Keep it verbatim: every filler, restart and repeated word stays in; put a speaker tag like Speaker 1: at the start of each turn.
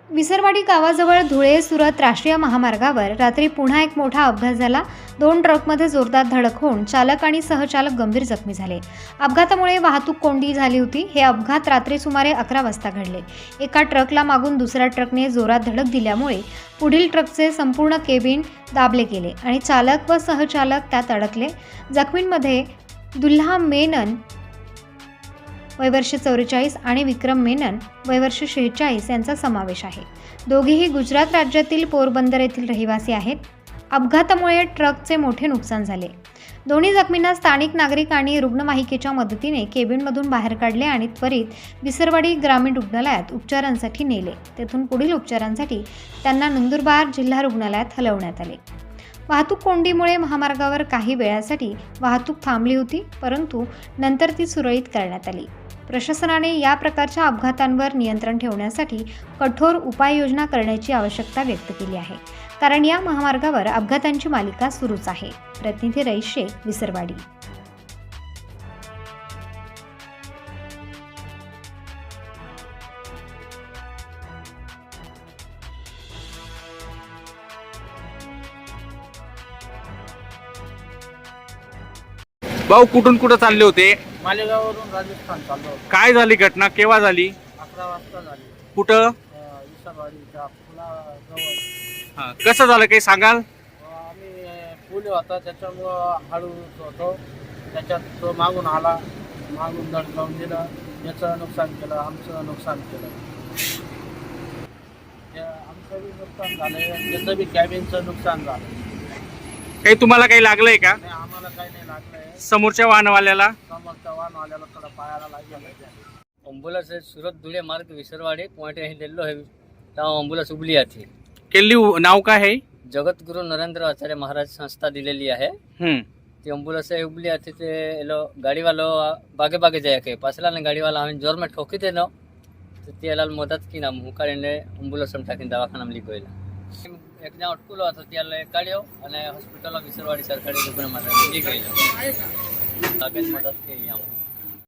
Speaker 1: विसरवाडी गावाजवळ धुळे सुरत राष्ट्रीय महामार्गावर रात्री पुन्हा एक मोठा अपघात झाला। दोन ट्रकमध्ये जोरदार धडक होऊन चालक आणि सहचालक गंभीर जखमी झाले। अपघातामुळे वाहतूक कोंडी झाली होती। हे अपघात रात्री सुमारे अकरा वाजता घडले। एका ट्रकला मागून दुसऱ्या ट्रकने जोरात धडक दिल्यामुळे पुढील ट्रकचे संपूर्ण केबिन दाबले गेले आणि चालक व सहचालक त्यात अडकले। जखमींमध्ये दुल्हा मेनन वय वर्ष चौवेचाळीस आणि विक्रम मेनन वय वर्ष शेहेचाळीस यांचा समावेश आहे। दोघेही गुजरात राज्यातील पोरबंदर येथील रहिवासी आहेत। अपघातामुळे ट्रकचे मोठे नुकसान झाले। दोन्ही जखमींना स्थानिक नागरिक आणि रुग्णवाहिकेच्या मदतीने केबिनमधून बाहेर काढले आणि त्वरित विसरवाडी ग्रामीण रुग्णालयात उपचारांसाठी नेले। तेथून पुढील उपचारांसाठी त्यांना नंदुरबार जिल्हा रुग्णालयात हलवण्यात आले। वाहतूक कोंडीमुळे महामार्गावर काही वेळासाठी वाहतूक थांबली होती, परंतु नंतर ती सुरळीत करण्यात आली। प्रशासनाने या प्रकारच्या अपघातांवर नियंत्रण ठेवण्यासाठी कठोर उपाययोजना करण्याची आवश्यकता व्यक्त केली आहे, कारण या महामार्गावर अपघातांची मालिका सुरूच आहे। प्रतिनिधी रईस शेख, विसरवाडी।
Speaker 2: भाऊ कुठून कुठं चालले होते?
Speaker 3: मालेगाववरून राजस्थान चाललो होतो।
Speaker 2: काय झाली घटना? केव्हा झाली?
Speaker 3: अकरा वाजता झाली।
Speaker 2: कुठं?
Speaker 3: अं, विसरवाडीच्या पुलाजवळ।
Speaker 2: हा, कसं झालं काही सांगाल?
Speaker 3: अं, आम्ही पूल होता त्याच्यामुळं हळू होतो, त्याच्यात तो मागून आला, मागून धडकावून दिलं, त्याचं नुकसान केलं, आमचं नुकसान केलं। त्या- आमचं बी नुकसान झालं, त्याचं बी कॅबिनचं नुकसान झालं।
Speaker 2: काही तुम्हाला काही लागलंय का?
Speaker 3: नाही, आम्हाला काही नाही लागलंय।
Speaker 2: समोरच्या वाहनवाल्याला?
Speaker 3: समोरच्या वाहनवाल्याला थोडा पायाला लागलं।
Speaker 4: एम्बुलेंस सूरत धुळे मार्ग विसरवाड़ी पॉइंट यहीं दिल्लो है तेव्हा एम्बुलेंस उबली आती।
Speaker 2: केली नाव काय आहे?
Speaker 4: जगद्गुरु नरेंद्र आचार्य महाराज संस्था दिलेली आहे।
Speaker 2: हम्म
Speaker 4: ती एम्बुलेंस उबली आती ते एलो गाडीवालो बागे बागे जाया के पासला ने गाडीवाला हमें जोर में ठोकी देनो तो ती एलाल मदद की नाम हुकारीने एम्बुलेंस में टाकीन दवाखाना ली गयला। एक जण अटकुलो હતો ત્યારે કાઢ્યો અને હોસ્પિટલ વિસરવાડી સરકારી રૂગ્ણમાં લઈ ગયેલો. આગળ મદદ થઈ આમ